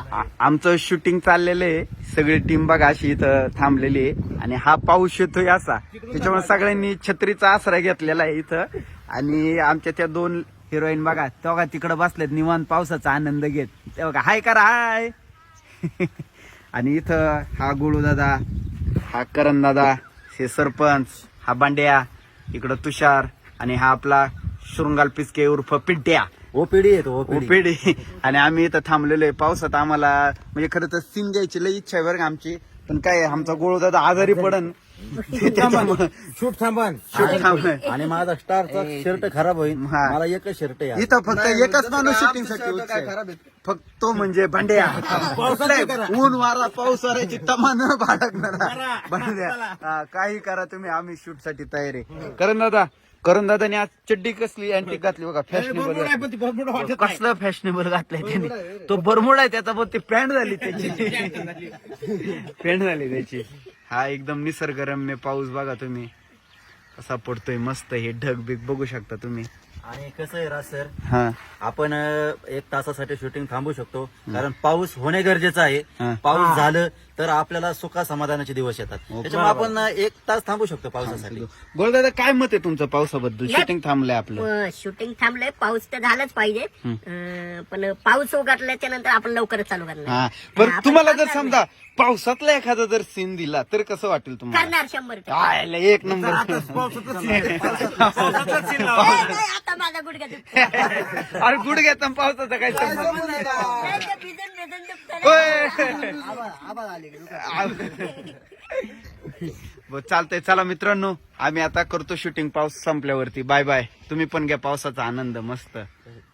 आमचं शूटिंग चाललेलं आहे. सगळी टीम बघा अशी इथं थांबलेली आहे आणि हा पाऊस येतोय असा, त्याच्यामुळे सगळ्यांनी छत्रीचा आसरा घेतलेला आहे इथं. आणि आमच्या त्या 2 हिरोईन बघा तेव्हा तिकडे बसलेत निवांत पावसाचा आनंद घेत. तेव्हा हाय करा हाय. आणि इथं हा गुळू दादा, हा करण दादा, हे सरपंच, हा बांड्या, इकडं तुषार आणि हा आपला शृंगाल पिस्के उर्फ पिंट्या ओपीडी येतो ओपेडी. आणि आम्ही इथं थांबलेलो आहे पावसात. आम्हाला म्हणजे खरं तर सीन घ्यायची लई इच्छा आहे बरं का आमची, पण काय आमचा गोळू दादा आजारी पडन त्याच्यामुळं शूट थांबन शूट थांबलोय. आणि माझा स्टारचा शर्ट खराब होईल. हा. मला एकच शर्ट आहे. इथं फक्त एकच माणूस शूटिंग साठी उत्साह आहे. फक्त तो म्हणजे भांड्या. कुठलाही ऊन वारा पाऊस वाऱ्याची तमान बाळगणारा भांड्या. काही करा तुम्ही, आम्ही शूट साठी तयार आहे. करण दादाने आज चड्डी कसली अँटिक घातली बघा, फॅशनेबल. कसलं फॅशनेबल घातलंय त्याने. तो बरमुडा आहे त्याचा, पण ती पॅन्ट झाली त्याची. पॅन्ट झाली त्याची. हा एकदम निसर्गरम्य पाऊस बघा तुम्ही कसा पडतोय मस्त. हे ढग बिग बघू शकता तुम्ही. आणि कसं आहे राज सर, हा आपण 1 तासासाठी शूटिंग थांबू शकतो, कारण पाऊस होणे गरजेचं आहे. हा. पाऊस झालं तर आपल्याला सुखा समाधानाचे दिवस येतात. त्याच्यामुळे आपण 1 तास थांबू शकतो पावसासाठी. गोळदादा काय मत आहे तुमचं पावसाबद्दल? शूटिंग थांबलंय आपलं. शूटिंग थांबलंय, पाऊस तर झालाच पाहिजे. पण पाऊस उघडल्याच्या नंतर आपण लवकरच चालू करणार. हा पण आपण तुम्हाला जर करणार समजा पावसातला एखादा जर सीन दिला तर कसं वाटेल तुम्हाला? करणार 100%. आयला एक नंबर. आता माझा गुडघा दुखतो. अरे गुडघ्यात आणि पावसाचा काय संबंध? नाही, ते भिजून दुखतं ना. बरं, चालतंय. चला मित्रांनो, आम्ही आता करतो शूटिंग पाऊस संपल्यावरती. Bye bye. तुम्ही पण घ्या पावसाचा आनंद मस्त.